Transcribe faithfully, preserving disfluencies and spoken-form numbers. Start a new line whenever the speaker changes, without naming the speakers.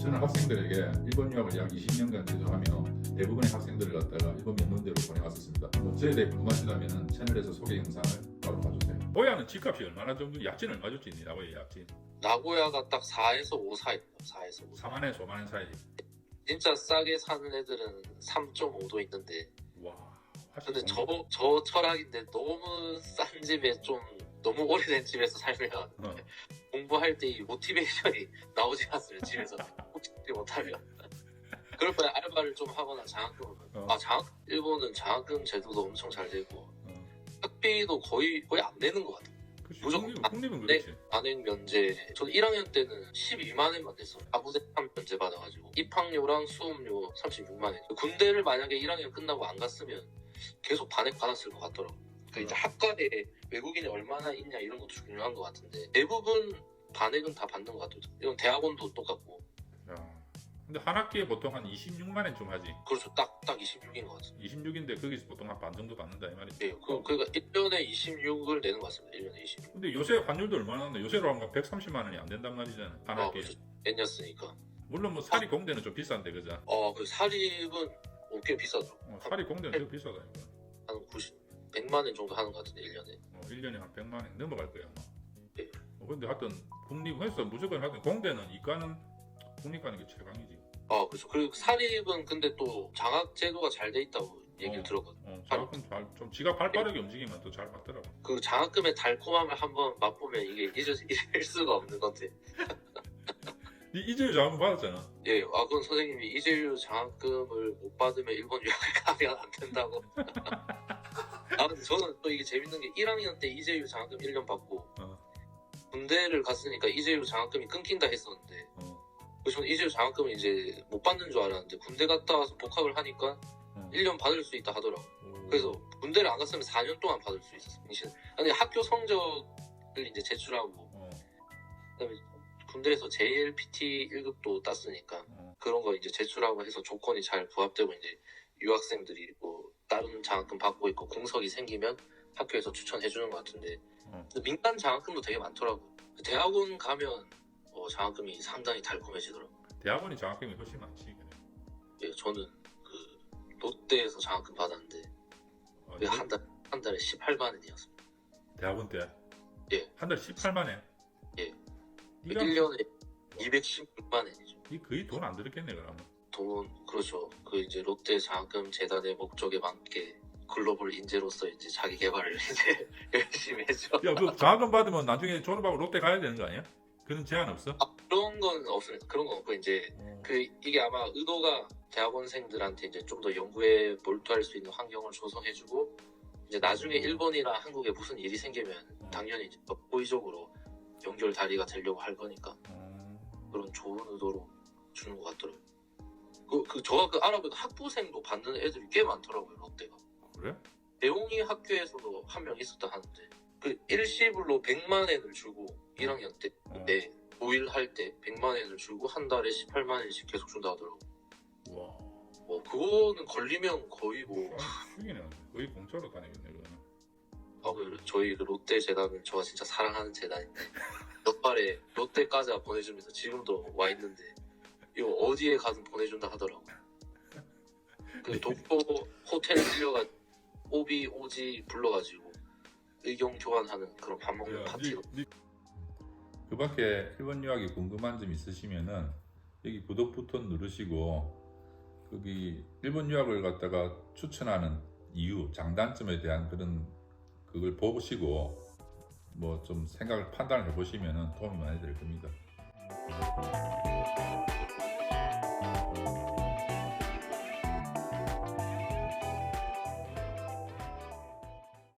저는 학생들에게 일본 유학을 약 이십 년간 제조하며 대부분의 학생들을 갖다가 일본 명문대로 보내왔었습니다. 뭐 저에 대해 궁금하시다면 채널에서 소개 영상을 바로 봐주세요. 나고야는 집값이 얼마나 정도? 약진 얼마 줬지? 나고야 약진
나고야가 딱 사에서 오 사이입니다. 사에서 오.
사만에서 오만원 사이.
진짜 싸게 사는 애들은 삼 점 오도 있는데.
와.
근데 저, 저 철학인데 너무 싼 집에 좀 너무 오래된 집에서 살면
어.
공부할 때 이 모티베이션이 나오지 않습니다. 집에서 혹시 못하면. 그럴 바에 알바를 좀 하거나 장학금을.
어.
아 장학 일본은 장학금 제도도 엄청 잘 되고
어.
학비도 거의 거의 안 내는 것 같아요.
그치,
무조건
국립, 국립은
네.
그렇지.
반액 면제. 저는 일 학년 때는 십이만 원만 냈어요. 아부대판 면제 받아가지고 입학료랑 수업료 삼십육만 원. 군대를 만약에 일 학년 끝나고 안 갔으면 계속 반액 받았을 것 같더라고. 그 이제 학과에 외국인이 얼마나 있냐 이런 것도 중요한 것 같은데 대부분 반액은 다 받는 것 같아요. 이건 대학원도 똑같고.
야. 근데 한 학기에 보통 한 이십육만 원 좀 하지.
그렇죠. 딱, 딱 이십육인 것 같습니다.
이십육인데 거기서 보통 한 반 정도 받는다 이 말이지.
네, 그, 그러니까 일 년에 이십육을 내는 것 같습니다. 일 년에 이십육.
근데 요새 환율도 얼마나 하는데 요새로 하면 백삼십만 원이 안 된단 말이잖아. 한
어,
학기에.
그렇죠. N이었으니까.
물론 뭐 사립 공대는 좀 비싼데 그죠?
어, 그 사립은 어, 꽤 비싸죠.
어, 사립 공대는 되게 비싸다 이거.
한 구십, 백만 원 정도 하는 것 같은데 일 년에.
어, 일 년에 한 백만 원 넘어갈 거야 아마.
네.
어, 근데 하여튼 국립에서 무조건 하여튼 공대는 이과는 국립 가는 게 최강이지.
아, 그렇죠. 그리고 사립은 근데 또 장학 제도가 잘 돼 있다고 얘기를
어.
들었거든요.
어, 장학금 잘, 좀 지가 발빠르게 움직이면 또 잘 받더라고.
그 장학금의 달콤함을 한번 맛보면 이게 잊을, 잊을 수가 없는 건데.
니 이재유 장학금 받았잖아.
예, 아, 그건 선생님이 이재유 장학금을 못 받으면 일본 유학을 가면 안 된다고. 아, 근데 저는 또 이게 재밌는 게 일 학년 때 이재유 장학금 일 년 받고
어.
군대를 갔으니까 이재유 장학금이 끊긴다 했었는데
어.
그래서 저는 이재유 장학금을 이제 못 받는 줄 알았는데 군대 갔다 와서 복학을 하니까
어.
일 년 받을 수 있다 하더라고.
오.
그래서 군대를 안 갔으면 사 년 동안 받을 수 있었어요. 아니 학교 성적을 이제 제출하고
어.
그다음에 군대에서 제이엘피티 일 급도 땄으니까
어.
그런 거 이제 제출하고 해서 조건이 잘 부합되고 이제 유학생들이 뭐 다른 장학금 받고 있고 공석이 생기면 학교에서 추천해 주는 것 같은데
어.
근데 민간 장학금도 되게 많더라고. 대학원 가면 어, 장학금이 상당히 달콤해지더라고.
대학원이 장학금이 훨씬 많지. 그래.
예, 저는 그 롯데에서 장학금 받았는데
어,
그게 한 달, 한 달에 십팔만 원이었습니다.
대학원 때?
예.
한 달 십팔만 원?
예.
니가
일 년에 이백십육만 원이죠.
니 거의 돈 안 들었겠네 그러면.
돈, 그렇죠. 그 이제 롯데 장학금 재단의 목적에 맞게 글로벌 인재로서 이제 자기 개발을 이제 열심히 했죠.
야, 그 장학금 받으면 나중에 졸업하고 롯데 가야 되는 거 아니야? 그런 제한 없어?
아, 그런 건 없습니다. 그런 건 없고 이제
어.
그 이게 아마 의도가 대학원생들한테 이제 좀 더 연구에 몰두할 수 있는 환경을 조성해주고 이제 나중에 일본이나 한국에 무슨 일이 생기면 당연히 이제 호의적으로 연결 다리가 되려고 할 거니까
어.
그런 좋은 의도로 주는 것 같더라고요. 그, 그 저가 그 알아보니까 학부생도 받는 애들이 꽤 많더라고요. 롯데가.
그래?
대웅이 학교에서도 한 명 있었다 하는데 그 일시불로 백만 원을 주고 일 학년 때
어.
네, 오일 할 때 백만 원을 주고 한 달에 십팔만 원씩 계속 준다 하더라고.
와.
뭐 그거는 걸리면 거의 뭐
죽이네. 거의 공짜로 다니겠네 그거는.
아, 그 저희 그 롯데 재단은 저가 진짜 사랑하는 재단인데 몇 발에 롯데 과자 보내주면서 지금도 와 있는데 이거 어디에 가든 보내준다 하더라고. 그 독도 호텔 빌려가 오비 오지 불러가지고 의견 교환하는 그런 밥 먹는
야,
파티로.
니, 니... 그 밖에 일본 유학이 궁금한 점 있으시면은 여기 구독 버튼 누르시고 거기 일본 유학을 갖다가 추천하는 이유, 장단점에 대한 그런 그걸 보시고 뭐 좀 생각을 판단을 해보시면은 도움이 많이 될 겁니다.